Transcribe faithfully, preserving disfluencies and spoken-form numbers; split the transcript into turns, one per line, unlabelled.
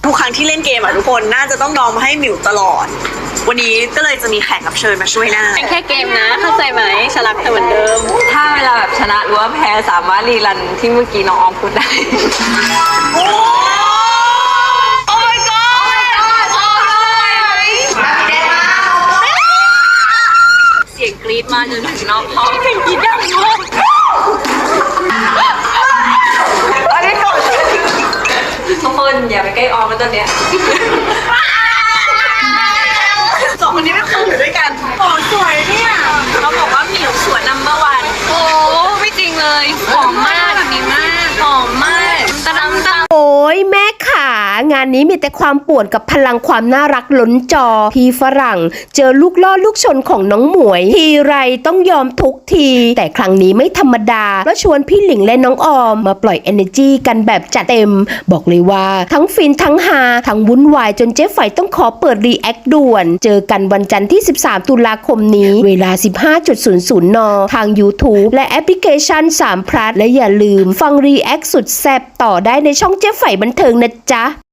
ทุกครั้งที่เล่นเกมอะทุกคนน่าจะต้องยอมให้หมิวตลอดวันนี้ก็เลยจะมีแขกรับเชิญมาช่วยหน้าเป็นแค่เกมนะเข้าใจไหมฉันรักเธอเหมือนเดิม
ถ้าเวลาแบบชนะหรือว่าแพ้สามารถรีรันที่เมื่อกี้น้องออมพูดได้
โอ้โอ้ my god โอ้
เสียงกรี๊ดมาจนถึงนอกห้องเสียงกรี๊ดดังมาก
อันนี้ก่อน
ทุกคนอย่าไปใกล้ออมนะตอนเนี้ย
สองคนนี้ไม่เคยอยู่ด้วยกันโอ้สวยเนี่ย
เขาบอกว่าหมิวสวยนัมเบอร์วัน
โอ้ไม่จริงเลยหอมมากแบบนี้มากหอมมากตะดำตะ
โอ้ยแม่ขางานนี้มีแต่ความป่วนกับพลังความน่ารักล้นจอพี่ฝรั่งเจอลูกล่อลูกชนของน้องหมวยทีไรต้องยอมทุกทีแต่ครั้งนี้ไม่ธรรมดาเพราะชวนพี่หลิงและน้องออมมาปล่อย energy กันแบบจัดเต็มบอกเลยว่าทั้งฟินทั้งฮาทั้งวุ่นวายจนเจ๊ไฝต้องขอเปิดรีแอคด่วนเจอกันวันจันทร์ที่สิบสามตุลาคมนี้เวลา สิบห้านาฬิกา นทาง YouTube และแอปพลิเคชันสามพลัสและอย่าลืมฟังรีแอคสุดแซ่บต่อได้ในช่องเจ๊ไฝบันเทิงนะจ๊ะ